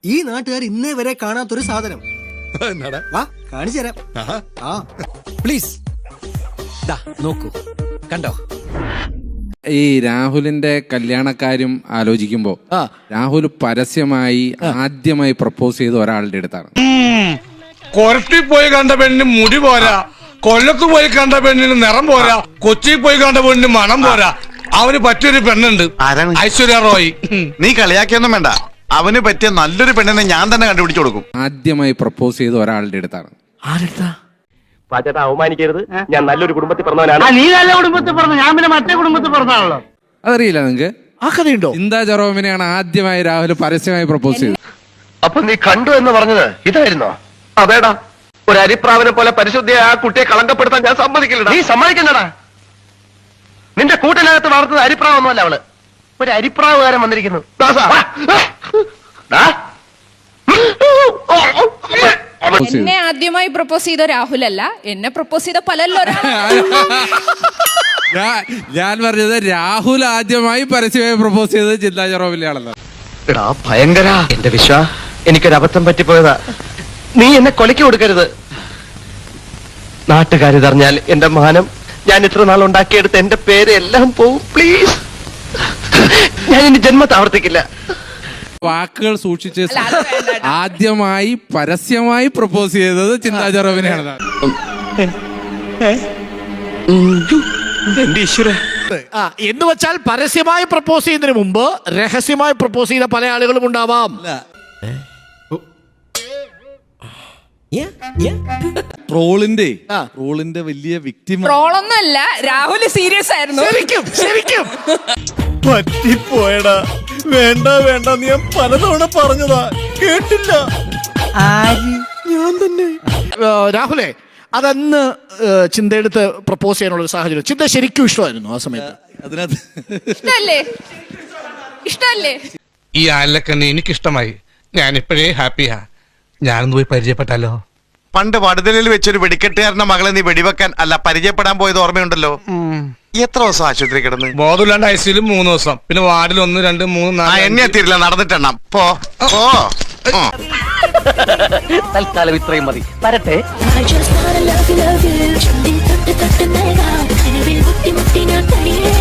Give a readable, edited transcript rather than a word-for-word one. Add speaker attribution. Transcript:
Speaker 1: ഈ നാട്ടുകാർ ഇന്നേ വരെ കാണാത്തൊരു സാധനം. വാ കാണിച്ചു തരാം. പ്ലീസ് നോക്കൂ, കണ്ടോ?
Speaker 2: ഈ രാഹുലിന്റെ കല്യാണക്കാര്യം ആലോചിക്കുമ്പോ രാഹുൽ പരസ്യമായി ആദ്യമായി പ്രപ്പോസ് ചെയ്ത ഒരാളുടെ അടുത്താണ്.
Speaker 3: കൊരട്ടി പോയി കണ്ട പെണ്ണിന് മുടി പോരാ, കൊല്ലത്ത് പോയി കണ്ട പെണ്ണിന് നിറം പോരാ, കൊച്ചി പോയി കണ്ട പെണ്ണിന് മണം പോരാ. അവന് പറ്റിയൊരു പെണ്ണുണ്ട്, ഐശ്വര്യ റോയ്.
Speaker 4: നീ കളിയാക്കിയൊന്നും വേണ്ട, അവന് പറ്റിയ നല്ലൊരു പെണ്ണിനെ ഞാൻ തന്നെ കണ്ടുപിടിച്ചു കൊടുക്കും.
Speaker 2: ആദ്യമായി പ്രപ്പോസ് ചെയ്ത ഒരാളുടെ അടുത്താണ്.
Speaker 5: പാച്ചേട്ടാ അവമാനിക്കരുത്, ഞാൻ നല്ലൊരു കുടുംബത്തിൽ പറഞ്ഞവനാണ്.
Speaker 6: നീ നല്ല കുടുംബത്തിൽ പറഞ്ഞു, ഞാൻ പിന്നെ മറ്റേ കുടുംബത്തിൽ പറഞ്ഞാണല്ലോ.
Speaker 2: അതറിയില്ല നിങ്ങക്ക്?
Speaker 1: ആ കഥയുണ്ടോ?
Speaker 2: ചിന്താ ജെറോമിനെയാണ് ആദ്യമായി രാഹുൽ പരസ്യമായി പ്രപ്പോസ് ചെയ്തത്.
Speaker 5: അപ്പൊ നീ കണ്ടു എന്ന് പറഞ്ഞത് ഇതായിരുന്നോ? അതേടാ, ഒരു അരിപ്രാവിനെ പോലെ പരിശുദ്ധിയെ ആ കുട്ടിയെ കളങ്കപ്പെടുത്താൻ ഞാൻ സമ്മതിക്കില്ല. നീ സമ്മതിക്കുന്നടാ? നിന്റെ കൂട്ടിനകത്ത് വളർത്തുന്ന അരിപ്രാവൊന്നുമല്ല അവള്, ഒരു അരിപ്രാവുകാരൻ വന്നിരിക്കുന്നു.
Speaker 7: എന്നെ ആദ്യമായി പ്രപ്പോസ് ചെയ്ത രാഹുലല്ല, എന്നെ പ്രപ്പോസ് ചെയ്ത പലല്ലോ.
Speaker 2: ഞാൻ പറഞ്ഞത് രാഹുൽ ആദ്യമായി പരസ്യമായി പ്രപ്പോസ് ചെയ്തത് ചിന്താ ജെറോമിനെയാണല്ലോ.
Speaker 5: എടാ ഭയങ്കര, എന്റെ വിശ്വ, എനിക്കൊരു അബദ്ധം പറ്റിപ്പോയതാ. നീ എന്നെ കൊലയ്ക്ക് കൊടുക്കരുത്. നാട്ടുകാരിതറിഞ്ഞാൽ എന്റെ മാനം, ഞാൻ ഇത്ര നാൾ ഉണ്ടാക്കിയെടുത്ത് എന്റെ പേര് എല്ലാം പോവും. പ്ലീസ്, ഞാൻ ഇനി ജന്മത്തെ ആവർത്തിക്കില്ല.
Speaker 2: വാക്കുകൾ സൂക്ഷിച്ച് ആദ്യമായി പരസ്യമായി പ്രപ്പോസ് ചെയ്തത് ചിന്താ ജെറോമിനെയാണ്.
Speaker 5: എന്റെ ഈശ്വര,
Speaker 6: എന്ന് വെച്ചാൽ പരസ്യമായി പ്രപ്പോസ് ചെയ്യുന്നതിന് മുമ്പ് രഹസ്യമായി പ്രപ്പോസ് ചെയ്ത പല ആളുകളും ഉണ്ടാവാം.
Speaker 8: ട്രോളിന്റെ വലിയ വിക്ടിം
Speaker 7: ട്രോളൊന്നുമല്ല, രാഹുൽ സീരിയസ് ആയിരുന്നു.
Speaker 6: ശരിക്കും
Speaker 8: പറ്റിപ്പോയടാ. വേണ്ട വേണ്ട, നീ ഞാൻ പലതവണ പറഞ്ഞതാ, കേട്ടില്ല. ഞാൻ തന്നെ.
Speaker 6: രാഹുലേ, അതന്ന് ചിന്തയെടുത്ത് പ്രപ്പോസ് ചെയ്യാനുള്ള സാഹചര്യം ചിന്ത ശരിക്കും ഇഷ്ടമായിരുന്നു ആ സമയത്ത്?
Speaker 8: അതിനകത്ത്
Speaker 7: ഇഷ്ടല്ലേ?
Speaker 3: ഈ ആലക്കണ്ണി എനിക്കിഷ്ടമായി, ഞാനിപ്പോഴേ ഹാപ്പിയാ. ഞാനൊന്ന് പോയി പരിചയപ്പെട്ടാലോ?
Speaker 4: പണ്ട് വടുതലിൽ വെച്ചൊരു വെടിക്കെട്ടുകാരന്റെ മകളെ നീ വെടിവെക്കാൻ അല്ല പരിചയപ്പെടാൻ പോയത് ഓർമ്മയുണ്ടല്ലോ. എത്ര ദിവസം ആശുപത്രി കിടന്ന്?
Speaker 3: ബോധമില്ലാണ്ട് ഐസിയിൽ 3 ദിവസം, പിന്നെ വാർഡിൽ 1, 2, 3, 4.
Speaker 4: എന്നെ എത്തിയില്ല, നടന്നിട്ടെണ്ണം.
Speaker 5: തൽക്കാലം ഇത്രയും മതി. വരട്ടെ.
Speaker 9: I just wanna love you, love you.